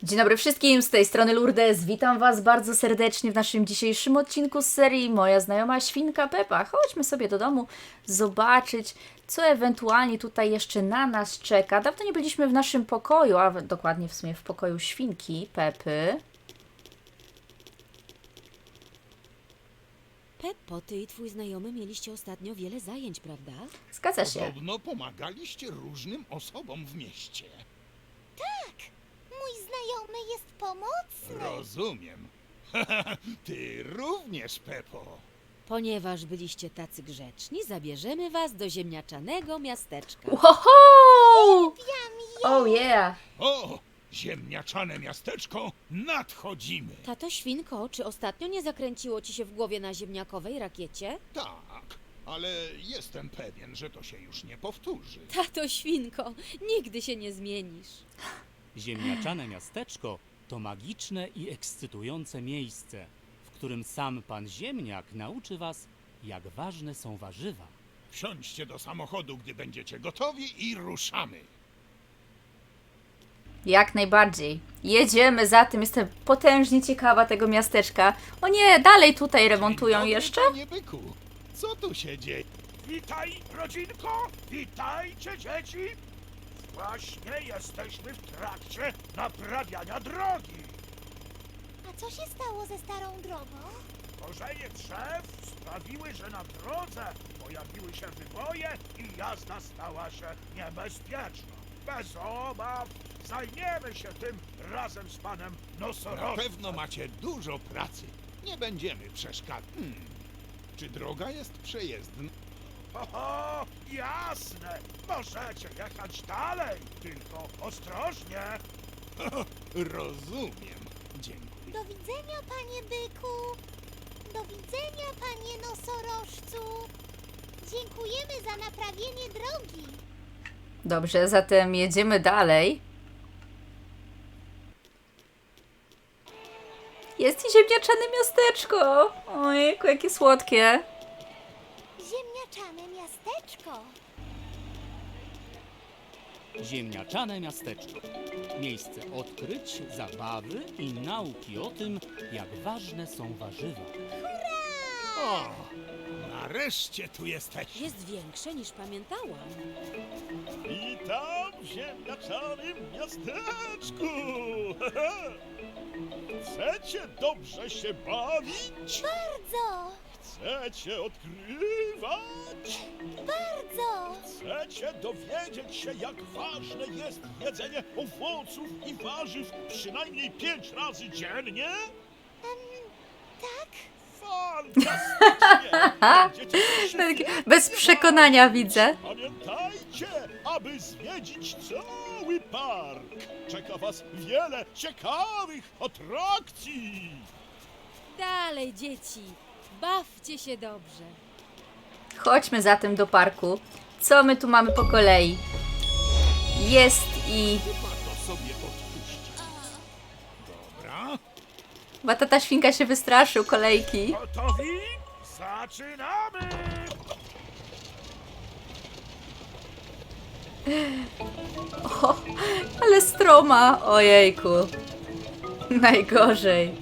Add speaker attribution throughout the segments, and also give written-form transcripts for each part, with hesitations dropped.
Speaker 1: Dzień dobry wszystkim, z tej strony Lourdes. Witam Was bardzo serdecznie w naszym dzisiejszym odcinku z serii Moja znajoma świnka Pepa. Chodźmy sobie do domu zobaczyć, co ewentualnie tutaj jeszcze na nas czeka. Dawno nie byliśmy w naszym pokoju, a dokładnie w sumie w pokoju świnki Pepy.
Speaker 2: Peppo, ty i twój znajomy mieliście ostatnio wiele zajęć, prawda?
Speaker 1: Zgadza się.
Speaker 3: Podobno pomagaliście różnym osobom w mieście.
Speaker 4: Mój znajomy jest pomocny.
Speaker 3: Rozumiem. Ty również, Pepo.
Speaker 2: Ponieważ byliście tacy grzeczni, zabierzemy was do ziemniaczanego miasteczka.
Speaker 1: Woho! Oh yeah!
Speaker 3: O, ziemniaczane miasteczko, nadchodzimy.
Speaker 2: Tato Świnko, czy ostatnio nie zakręciło ci się w głowie na ziemniakowej rakiecie?
Speaker 3: Tak, ale jestem pewien, że to się już nie powtórzy.
Speaker 2: Tato Świnko, nigdy się nie zmienisz.
Speaker 5: Ziemniaczane miasteczko to magiczne i ekscytujące miejsce, w którym sam pan Ziemniak nauczy was, jak ważne są warzywa.
Speaker 3: Wsiądźcie do samochodu, gdy będziecie gotowi i ruszamy.
Speaker 1: Jak najbardziej. Jedziemy za tym, jestem potężnie ciekawa tego miasteczka. O nie, dalej tutaj remontują
Speaker 3: Dzień dobry,
Speaker 1: jeszcze?
Speaker 3: Panie byku, co tu się dzieje?
Speaker 6: Witaj, rodzinko! Witajcie, dzieci! Właśnie jesteśmy w trakcie naprawiania drogi.
Speaker 4: A co się stało ze starą drogą?
Speaker 6: Korzenie drzew sprawiły, że na drodze pojawiły się wyboje i jazda stała się niebezpieczna. Bez obaw zajmiemy się tym razem z panem
Speaker 3: Na
Speaker 6: nosorożcem.
Speaker 3: pewno macie dużo pracy. Nie będziemy przeszkadzać. Czy droga jest przejezdna?
Speaker 6: Ho, jasne! Możecie jechać dalej, tylko ostrożnie.
Speaker 3: Rozumiem. Dziękuję.
Speaker 4: Do widzenia, panie byku. Do widzenia, panie nosorożcu. Dziękujemy za naprawienie drogi.
Speaker 1: Dobrze, zatem jedziemy dalej. Jest i ziemniaczane miasteczko. Ojejku, jakie słodkie.
Speaker 4: Ziemniaczane miasteczko.
Speaker 5: Ziemniaczane miasteczko. Miejsce odkryć, zabawy i nauki o tym, jak ważne są warzywa.
Speaker 3: O, nareszcie tu jesteście.
Speaker 2: Jest większe niż pamiętałam.
Speaker 6: Witam w ziemniaczanym miasteczku! Chcecie dobrze się bawić?
Speaker 4: Bardzo,
Speaker 6: Chcecie odkrywać?
Speaker 4: bardzo.
Speaker 6: Chcecie dowiedzieć się, jak ważne jest jedzenie owoców i warzyw przynajmniej 5 razy dziennie?
Speaker 4: Tak?
Speaker 6: Fantastycznie! Będziecie
Speaker 1: Tak,
Speaker 6: się
Speaker 1: bez przekonania widzę.
Speaker 6: Pamiętajcie, aby zwiedzić cały park. Czeka was wiele ciekawych atrakcji.
Speaker 2: Dalej, dzieci, bawcie się dobrze.
Speaker 1: Chodźmy zatem do parku. Co my tu mamy po kolei? Jest i...
Speaker 3: Chyba to sobie odpuszczę. Dobra.
Speaker 1: Batata świnka się wystraszył kolejki.
Speaker 6: Gotowi? Zaczynamy!
Speaker 1: O, ale stroma. Ojejku. Najgorzej.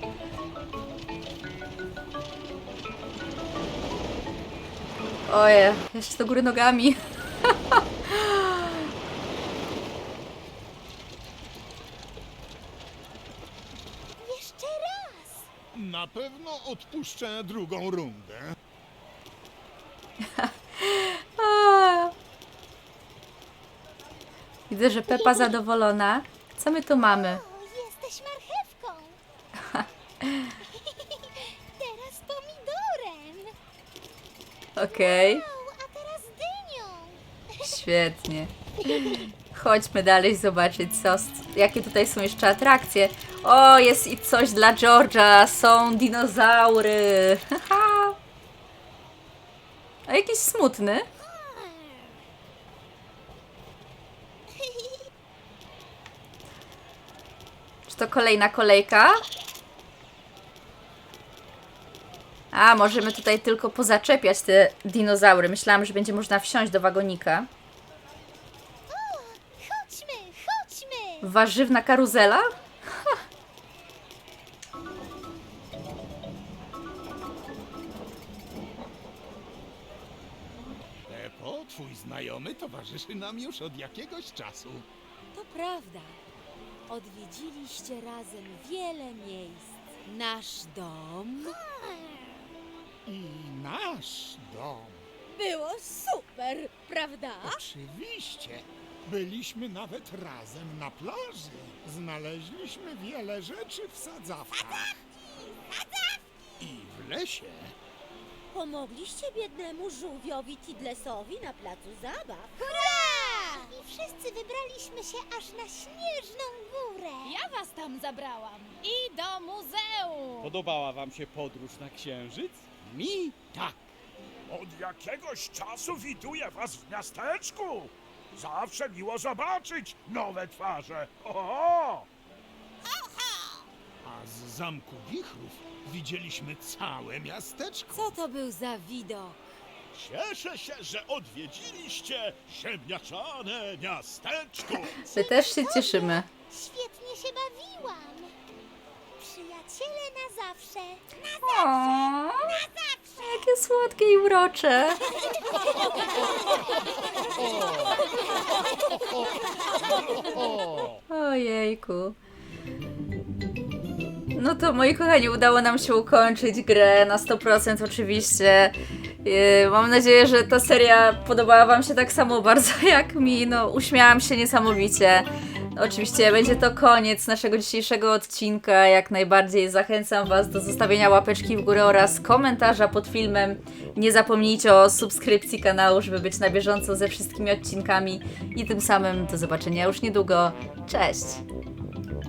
Speaker 1: Oje, jeszcze do góry nogami.
Speaker 4: Jeszcze raz.
Speaker 3: Na pewno odpuszczę drugą rundę.
Speaker 1: A. Widzę, że Pepa zadowolona. Co my tu mamy?
Speaker 4: O, jesteś marchewką. Teraz pomidorem.
Speaker 1: Okej,
Speaker 4: Wow, a teraz dynią.
Speaker 1: świetnie. Chodźmy dalej zobaczyć, jakie tutaj są jeszcze atrakcje. O, jest i coś dla George'a. Są dinozaury. Haha. A jakiś smutny. Czy to kolejna kolejka? A, możemy tutaj tylko pozaczepiać te dinozaury. Myślałam, że będzie można wsiąść do wagonika.
Speaker 4: Chodźmy, chodźmy.
Speaker 1: Warzywna karuzela?
Speaker 3: Pepo, twój znajomy towarzyszy nam już od jakiegoś czasu.
Speaker 2: To prawda. Odwiedziliście razem wiele miejsc. Nasz dom
Speaker 3: I nasz dom.
Speaker 2: było super, prawda?
Speaker 3: Oczywiście. Byliśmy nawet razem na plaży. Znaleźliśmy wiele rzeczy w sadzawkach. I w lesie.
Speaker 7: Pomogliście biednemu żółwiowi Tidlesowi na placu zabaw.
Speaker 4: Hurra! I wszyscy wybraliśmy się aż na śnieżną górę.
Speaker 8: Ja was tam zabrałam. I do muzeum.
Speaker 9: Podobała wam się podróż na Księżyc?
Speaker 3: Mi tak.
Speaker 6: Od jakiegoś czasu widuję was w miasteczku. Zawsze miło zobaczyć nowe twarze. O!
Speaker 3: A z zamku Wichrów widzieliśmy całe miasteczko.
Speaker 2: Co to był za widok?
Speaker 6: Cieszę się, że odwiedziliście ziemniaczane miasteczko.
Speaker 1: My też się cieszymy.
Speaker 4: Świetnie się bawiłam. Przyjaciele na zawsze.
Speaker 1: O, jakie słodkie i urocze. Ojejku. No to moi kochani, udało nam się ukończyć grę na 100% oczywiście. Mam nadzieję, że ta seria podobała wam się tak samo bardzo jak mi. No, uśmiałam się niesamowicie. Oczywiście będzie to koniec naszego dzisiejszego odcinka. Jak najbardziej zachęcam was do zostawienia łapeczki w górę oraz komentarza pod filmem. Nie zapomnijcie o subskrypcji kanału, żeby być na bieżąco ze wszystkimi odcinkami. I tym samym do zobaczenia już niedługo. Cześć!